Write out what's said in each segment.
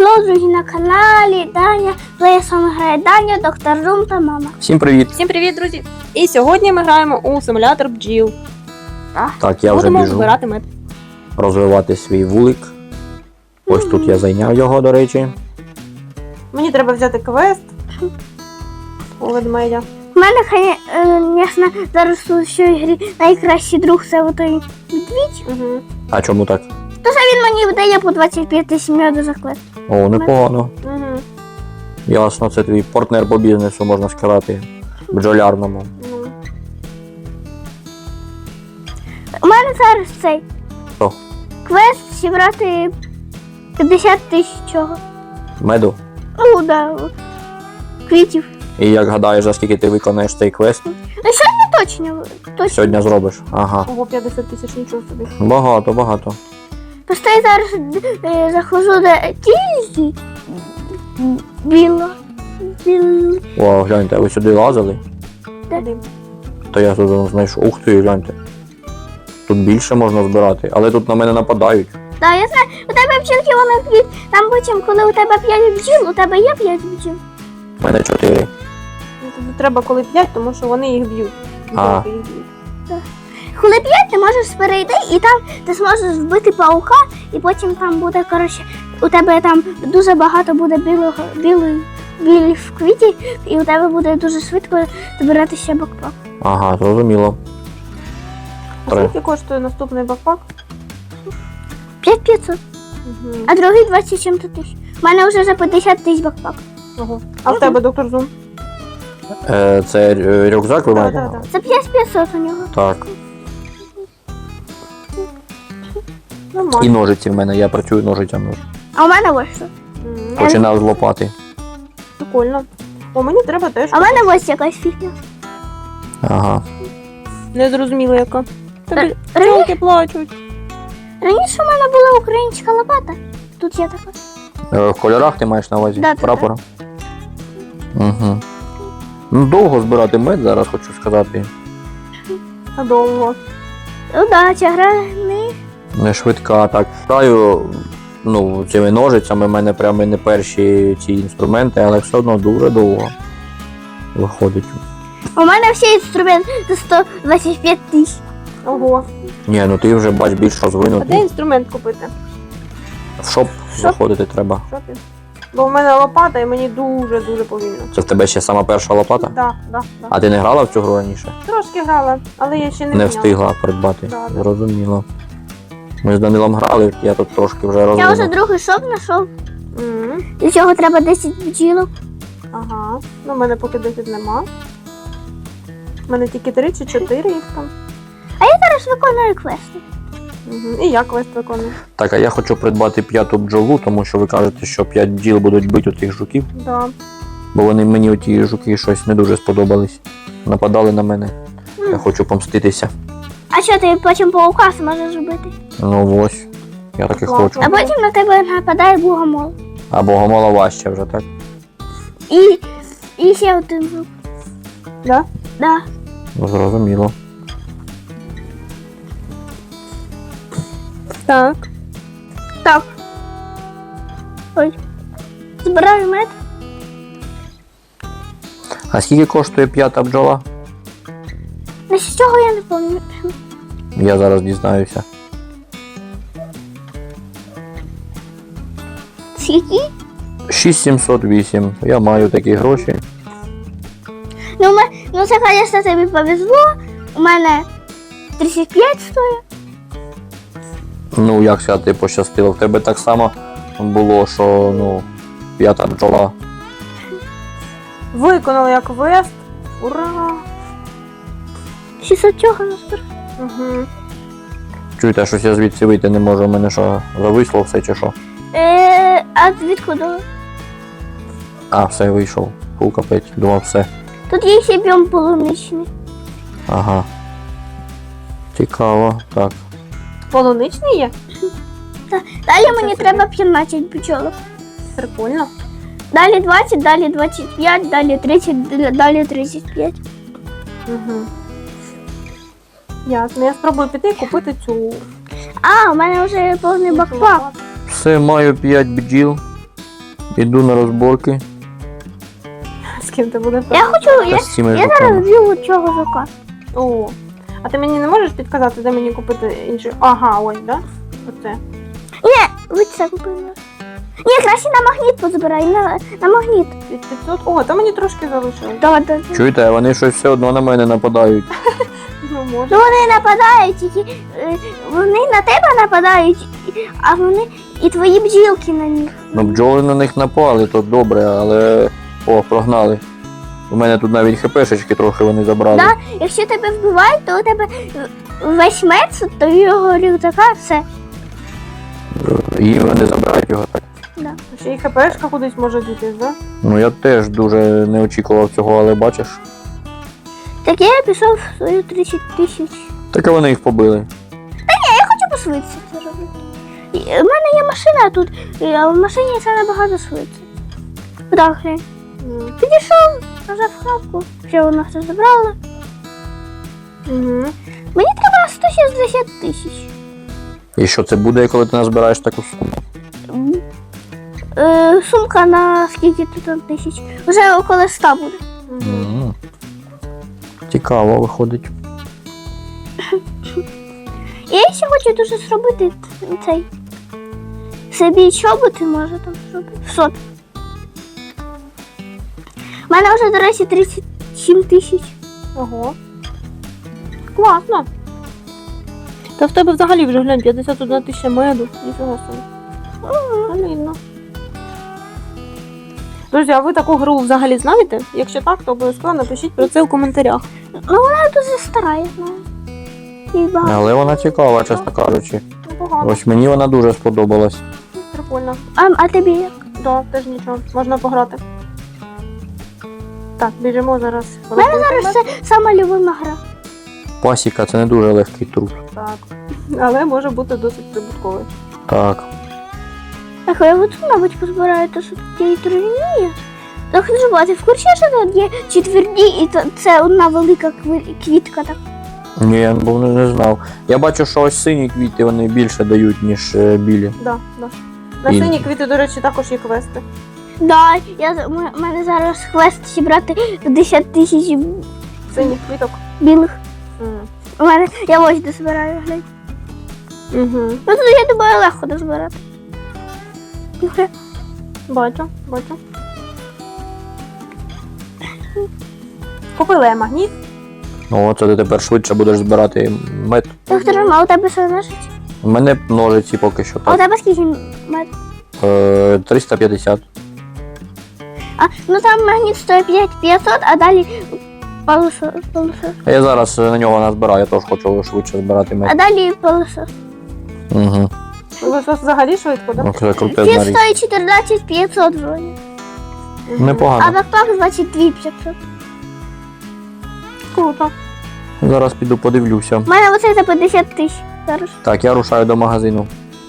Хеллоу, друзі, на каналі Даня. З вами грає Даня, доктор Рум та мама. Всім привіт! Всім привіт, друзі! І сьогодні ми граємо у симулятор бджіл. Так, я вже Будемо біжу збирати мед. розвивати свій вулик. Ось тут я зайняв його, до речі. Мені треба взяти квест у ведмедя. У мене, звісно, зараз у цій грі найкращий друг це отой медвідь. Угу. А чому так? Тож він мені видає по 25 тисяч меду за квест. О, непогано. Угу. Ясно, це твій партнер по бізнесу, можна сказати, бджолярному. Ну. У мене зараз цей Що? квест зібрати 50 тисяч чого. Меду. Ну, да, квітів. І як гадаєш, за скільки ти виконаєш цей квест, Ну, сьогодні точно. сьогодні зробиш? Ага. Ого, 50 тисяч, нічого собі. Багато, багато. Просто я зараз заходжу до тільки біло. О, гляньте, ви сюди лазили? Куди? То я тут знайшов. Ух ти, гляньте. Тут більше можна збирати, але тут на мене нападають. Так, я знаю, у тебе бджілки вони п'ють. Там потім, коли у тебе 5 бджіл, у тебе є 5 бджіл. У мене 4. Ну, тобі треба коли 5, тому що вони їх б'ють. А. Бджілки їх б'ють. Коли 5, ти можеш перейти і там ти зможеш вбити паука, і потім там буде, коротше, у тебе там дуже багато буде білих квітів, і у тебе буде дуже швидко збиратися бакпак. Ага, зрозуміло. А Три. скільки коштує наступний бакпак? 5500, Угу. а другий 27 тисяч. У мене вже за 50 тисяч бакпак. Ого. А в тебе, доктор Зум? Це рюкзак ви маєте? Так. Це 5500 у нього. Так. І Нормально. ножиці в мене, я працюю ножицями. А у мене ось що. М, Починав з лопати. Прикольно. О, мені треба теж. А в мене ось якась фігня. Ага. Не зрозуміло яка. Тобі Раніше, бджілки плачуть. раніше у мене була українська лопата. Тут є така. В кольорах ти маєш на увазі? Да, так. Прапора? Угу. Ну, довго збирати мед, зараз хочу сказати. А довго. Удача, гра Не швидка, так. Граю, ну, цими ножицями, в мене прямо не перші ці інструменти, але все одно дуже довго виходить. У мене всі інструменти за 125 тисяч. Ого. Ні, ну ти вже бач більш А де розвинутий. інструмент купити? В шоп заходити треба. Що ти? Бо в мене лопата і мені дуже повільно. Це в тебе ще сама перша лопата? Да. А ти не грала в цю гру раніше? Трошки грала, але я ще не Не міняла. встигла придбати. Да, да. Зрозуміло. Ми з Данилом грали, я тут трошки вже Я вже розвинув. другий шоп знайшов. Мгм. Для цього треба 10 бджілок. Ага. Ну, в мене поки 10 нема. У мене тільки 3 чи 4 їх там. Зараз виконую квести. Угу. І я квест виконую. Так, а я хочу придбати 5-ту бджолу, тому що ви кажете, що 5 бджіл будуть бити цих жуків, Да. бо вони мені оті жуки щось не дуже сподобались. Нападали на мене. Я хочу помститися. А що ти потім паука зможеш зробити? Ну ось. Я так і Ладно. хочу. А потім на тебе нападає богомол. А богомола важче вже, так? І ще один жук. Да? Да. Ну, зрозуміло. Так. Так. Ой. Збираю мед. А скільки коштує 5-та бджола? На з цього я не пам'ятаю. Я зараз дізнаюся. Скільки? 6708. Я маю такі гроші. Ну це, звісно, тобі повезло. У мене 35 стоїть. Ну, як сказати, пощастило. В тебе так само було, що, ну, 5-та бджола. Виконала я квест. Ура! 600 чого назбираю. Угу. Чуєте, щось я звідси вийти не можу, у мене що, зависло все чи що? А звідкуди? А, все, вийшов. Фу, капець, думав, все. Тут є ще біом полуничний. Ага. Цікаво, так. Полуничний є? Далі мені треба 15 бджолок. Прикольно. Далі 20, далі 25, далі 30, далі 35. Угу. Ясно. Я спробую піти і купити цю. А, у мене вже повний бакпак. Все, маю 5 бджіл. Іду на розборки. З ким ти будеш? Я хочу, Та з цими я зараз жуками. вб'ю цього жука. О, а ти мені не можеш підказати, де мені купити інший? Ага, ось, да? Оце. Ні, ви це купили. Ні, краще на магніт позбирай, на магніт. Від 500. О, то мені трошки залишилось. Да. Чуєте, вони щось все одно на мене нападають. Ну, може. Ну вони нападають, тільки вони на тебе нападають, а вони і твої бджілки на них. Ну, бджоли на них напали, то добре, але. О, прогнали. У мене тут навіть хпшечки трохи вони забрали. Да? Якщо тебе вбивають, то у тебе весь меч, то його рюкзака, все. І вони забирають його так. Да. Ще й ХПшка кудись може дітись, да? Ну я теж дуже не очікував цього, але бачиш. Так я пішов в свою 30 тисяч. Так і вони їх побили. Хочу посвитися це робити. У мене є машина тут, а в машині це набагато швидше. Так, глянь. Підійшов, нажав кнопку, ще вона все забрала. Угу. Мені треба 160 тисяч. І що це буде, коли ти назбираєш таку суму? Сумка на скільки тут там тисяч? Вже около 100 буде. Мгм. Цікаво виходить. Я ще хочу дуже зробити цей. Собі чоботи може там зробити. В сот. У мене вже, до речі, 37 тисяч. Ого. Класно. Та в тебе взагалі вже глянь, 51 тисяча меду. Ніфіга собі. Солідно. Друзі, а ви таку гру взагалі знаєте? Якщо так, то обов'язково напишіть про це в коментарях. Ну вона дуже стара, я знаю. І багато. Але вона цікава, чесно кажучи. Непогано. Ось мені вона дуже сподобалась. Прикольно. А тобі як? Да, теж нічого. Можна пограти. Так, біжимо зараз. У мене зараз це сама любима гра. Пасіка це не дуже легкий труд. Так. Але може бути досить прибутковий. Так. Так, я от, мабуть, позбираю те, що тут є і трав'яні. Так, ти в курсі, що тут є четверді, і це одна велика квітка так. Ні, я не знав. Я бачу, що ось сині квіти вони більше дають, ніж білі. Да, да. На І- сині квіти, до речі, також є квести. Да, у мене зараз квест зібрати 50 тисяч Синіх квіток. білих. У мене, я ось дозбираю, глянь. Угу. Ну тут, я думаю, легко дозбирати. Окей. Бачу, бачу. Купила я магніт. Ну, це ти тепер швидше будеш збирати мед. Доктор, а у тебе що ножиці? У мене ножиці поки що А у так. тебе скільки мед? 350. Ну там магніт стоїть 500, а далі полосос. А я зараз на нього назбираю, я теж хочу швидше збирати А мед. далі полосос. Угу. Лосос взагалі швидко, так? Ну, це крутезна Фіт річ. стоїть 14 500 вроді. А Непогано. бакпак 22 500. Круто. Зараз піду подивлюся. У мене оце за 50 тисяч зараз. Так, я рушаю до магазину.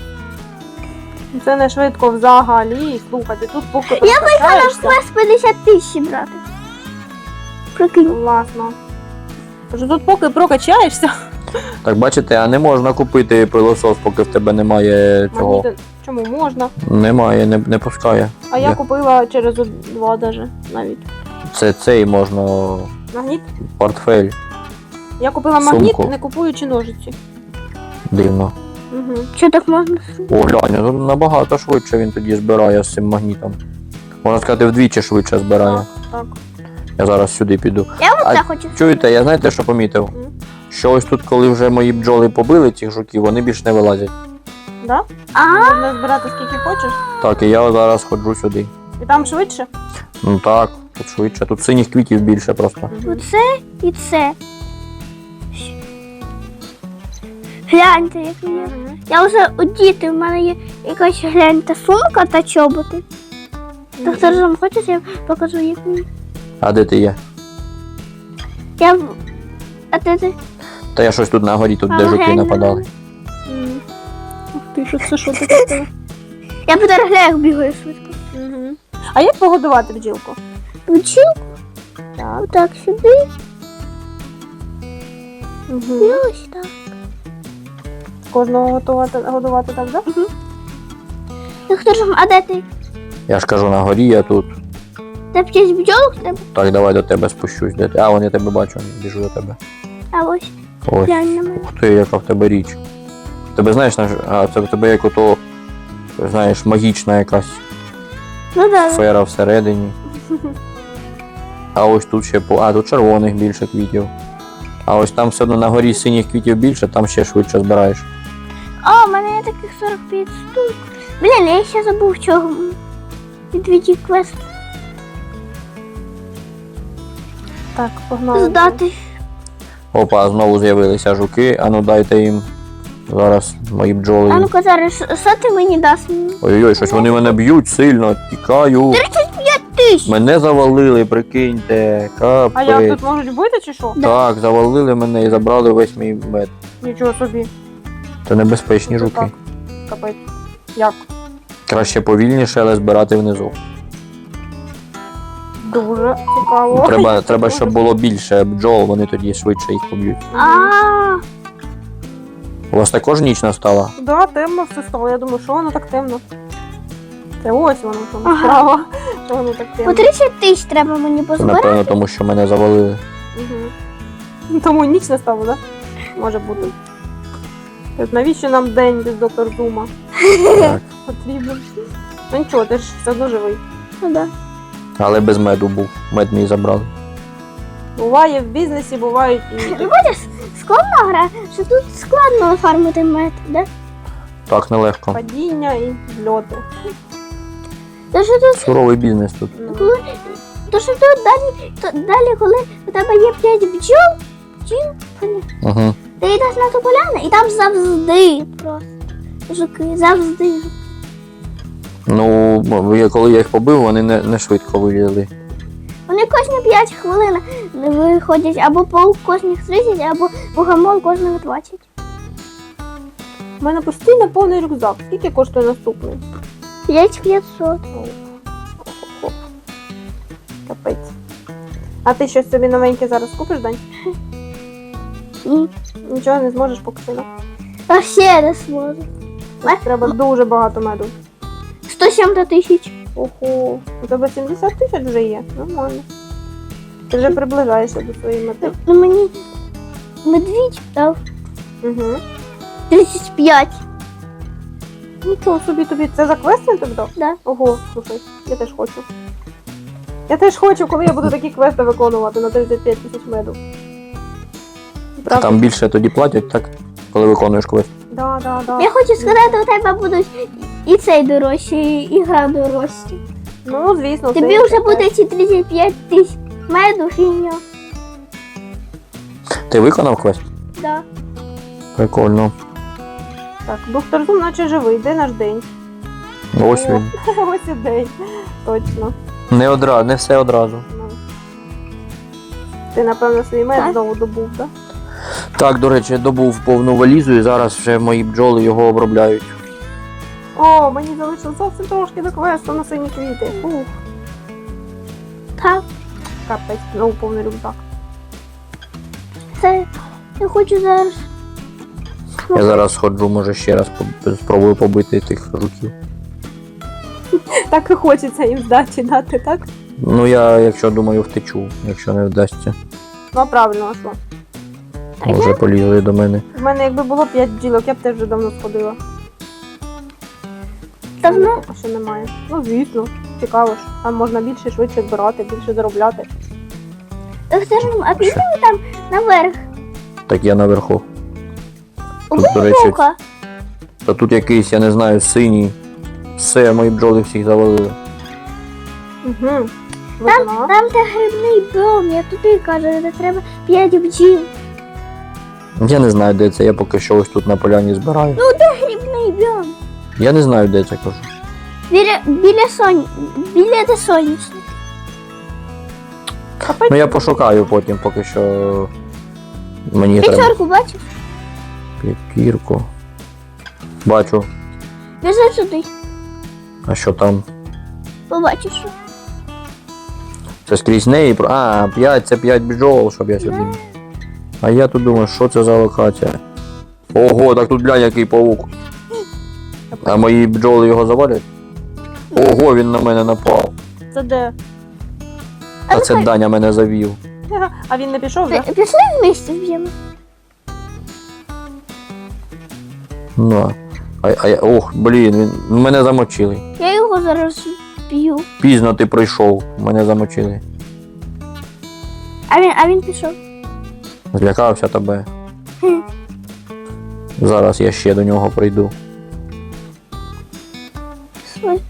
Це не швидко взагалі. Слухайте, тут поки Я вийшла на прокачаєшся. квест 50 тисяч брати. Прикинь. Класно. Тож тут поки прокачаєшся. Так, бачите, а не можна купити пилосос, поки в тебе немає цього. Магніти. Чому можна? Немає, не пускає. А я Є. купила через 2 даже навіть. Це цей можна Магніт. портфель. Я купила магніт, Сумку. не купуючи ножиці. Дивно. Угу. Що так можна? О, глянь, ну, набагато швидше він тоді збирає з цим магнітом. Можна сказати, вдвічі швидше збирає. Так, так. Я зараз сюди піду. Я А оце хочу. Чуєте, я знаєте, що помітив? Мгм. Що ось тут, коли вже мої бджоли побили цих жуків, вони більш не вилазять. Да? А, Можна збирати скільки хочеш. Так, і я зараз ходжу сюди. І там швидше. Ну так, тут швидше. Тут синіх квітів більше просто. Мгм. оце і це. Гляньте, як є. Мгм. Я вже одіти, в мене є якась гляньте сумка та чоботи. Доктор Жом, хочеш, я покажу як мені? А де ти є? Я в- А ти? Та я щось тут на горі, тут А, де жуки глянь, нападали. Мгм. Ух ти, що це що таке? Я по дерев'ях бігаю швидко. Мгм. А як погодувати бджілку? Бджілку, Так. отак сюди, і Угу. ось так. Кожного годувати так, да? Доктор Жом, а де ти? Я ж кажу, на горі я тут. Та птиць бджолок треба. Так, давай до тебе спущусь. Де ти? А, вон я тебе бачу, біжу до тебе. А ось, Ось. глянь на мене. Ух ти, яка в тебе річ. Тебе знаєш, це в тебе як ото, знаєш, магічна якась Ну да. сфера всередині. А ось тут ще тут червоних більше квітів. А ось там все одно на горі синіх квітів більше, там ще швидше збираєш. О, у мене є таких 45 штук. Блін, я ще забув чого. Відвідій квест Так, погнали. здати. Опа, знову з'явилися жуки, а ну дайте їм. Зараз мої бджоли. А ну-ка зараз, що ти мені дасть? Ой-ой, щось вони мене б'ють сильно, тікаю. 35 тисяч! Мене завалили, прикиньте. А як Капець. тут можуть бити чи що? Так, завалили мене і забрали весь мій мед. Нічого собі. Це небезпечні Це жуки. так. Капець. Як? Краще повільніше, але збирати внизу. Дуже цікаво. Треба, щоб було більше бджол, вони тоді швидше їх поб'ють. А, У вас також ніч настала? Да, темно все стало. Я думаю, що воно так темно. Це ось воно там Ага. справа. Що воно так темно. по 30 тисяч треба мені Це позбирати. напевно тому, що мене завалили. Угу. Тому ніч настала, так? Да? Може бути. Тобто навіщо нам день без доктор Зума Так. потрібен? Ну нічого, ти ж все одно живий. Ну да. Але без меду був. Мед мій забрали. Буває в бізнесі, бувають і Ну бачиш, складна гра, що тут складно оформити мед, да? Так, нелегко. падіння, і зльоти. То що тут, Суровий бізнес тут. Ну, то що тут далі, коли у тебе є 5 бджіл, Угу. ти йдеш на ту поляну, і там завжди просто жуки, завжди. Ну, коли я їх побив, вони не швидко вилізли. Вони кожні 5 хвилин виходять або паук кожних 30, або богомол кожних 20. У мене постійно повний рюкзак. Скільки коштує наступний? 5500. Капець. А ти щось собі новеньке зараз купиш, Дань? Ні. Нічого не зможеш поки сильно. А ще не зможу. Треба дуже багато меду. 107 тисяч. Ого, у тебе 70 тисяч вже є. Нормально. Ти вже приближаєшся до своєї мети. Ну мені медвідь дав Угу. 35. Нічого собі тобі. Це за квест він тобі дав? Да. Ого, слухай, я теж хочу. Я теж хочу, коли я буду такі квести виконувати на 35 тисяч меду. Правда? Там більше тоді платять, так? Коли виконуєш квест. Да. Я хочу сказати, у тебе будуть і цей дорожчий, і гра дорожча. Ну, звісно. Тобі це вже таке. буде ці 35 тисяч меду фігня. Ти виконав квест? Да. Прикольно. Так, доктор Зум наче живий. Де наш день? Ось він. Ось і день. Точно. Не все одразу. Ну. Ти, напевно, свій мед Так. знову добув, так? Так, до речі, я добув повну валізу і зараз вже мої бджоли його обробляють. О, мені залишилось зовсім трошки до квесту на сині квіти. Ух, Так, капець, знову повний рюкзак. це я хочу зараз. Я зараз сходжу, може ще раз спробую побити тих жуків. Так і хочеться їм здачі дати, так? Ну я, якщо думаю, втечу, якщо не вдасться. Ну, а правильно, а що? Вже полізли до мене. В мене якби було 5 бджілок, я б теж вже давно сходила. Давно? Поки що немає. Ну, звісно, цікаво ж. Там можна більше, швидше збирати, більше заробляти. Скажімо, а підемо там наверх. Так я наверху. Убий до речі, вовка. Та тут якийсь, я не знаю, синій. Все, мої бджоли всіх завалили. Угу. Там де грибний дом, я туди кажу, де треба 5 бджіл. Я не знаю, де це, я поки що ось тут на поляні збираю. Грибний дом. Я не знаю, де це кажу. Біля де сонячник. Ну я пошукаю потім, поки що мені треба П'ятерку бачиш? п'ятірку. Бачу. Біжи сюди, А що там? побачиш. Що. Це скрізь неї. А, 5, це 5 бджол, щоб я сюди. А я тут думаю, що це за локація? Ого, так тут глянь, який павук. А мої бджоли його завалять? Ого, він на мене напав. Це де? А це Даня мене завів. А він не пішов, так? Пішли вместе вб'ємо. Ну. Ох, блін, він мене замочили. Я його зараз вб'ю. Пізно ти прийшов, мене замочили. А він пішов. Злякався тебе. Хм. Зараз я ще до нього прийду. Ой.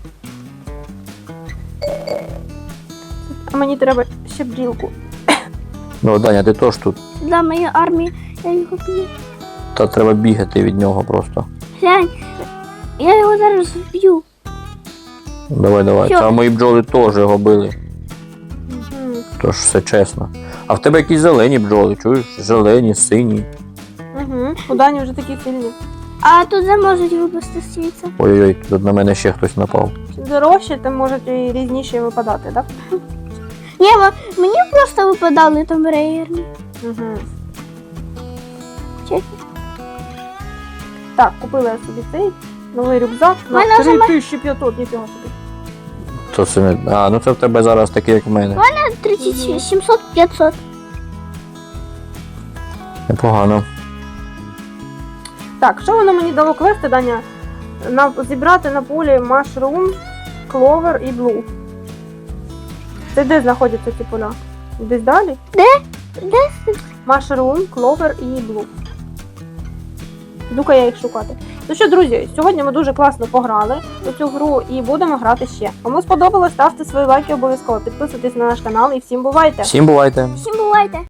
А мені треба ще брілку. Ну, Даня, ти теж тут. Для моєї армії я його б'ю. Та треба бігати від нього просто. Глянь, я його зараз вб'ю. Давай. Що? Та мої бджоли теж його били. Угу. Тож все чесно. А в тебе якісь зелені бджоли, чуєш? Зелені, сині. Угу. У Дані вже такі сильні. А тут же можуть випасти світло. Ой-ой, тут на мене ще хтось напав. Чим дорожче, тим можуть і різніші випадати, так? Ні, мені просто випадали там рейерні. Угу. Чесно. Так, купила я собі цей новий рюкзак на Мене вже 3500, ніфіга собі. То це не. А, ну це в тебе зараз такий, як в мене. 30, 700, 500. Непогано. Так, що воно мені дало квести, Даня? Зібрати на полі Mushroom, Clover і Blue. Це де знаходяться ці поля? Десь далі? Де? Mushroom, Clover і Blue. Іду-ка я їх шукати. Ну що, друзі, сьогодні ми дуже класно пограли у цю гру і будемо грати ще. Кому сподобалось, ставте свої лайки обов'язково, підписуйтесь на наш канал і всім бувайте! Всім бувайте! Всім бувайте!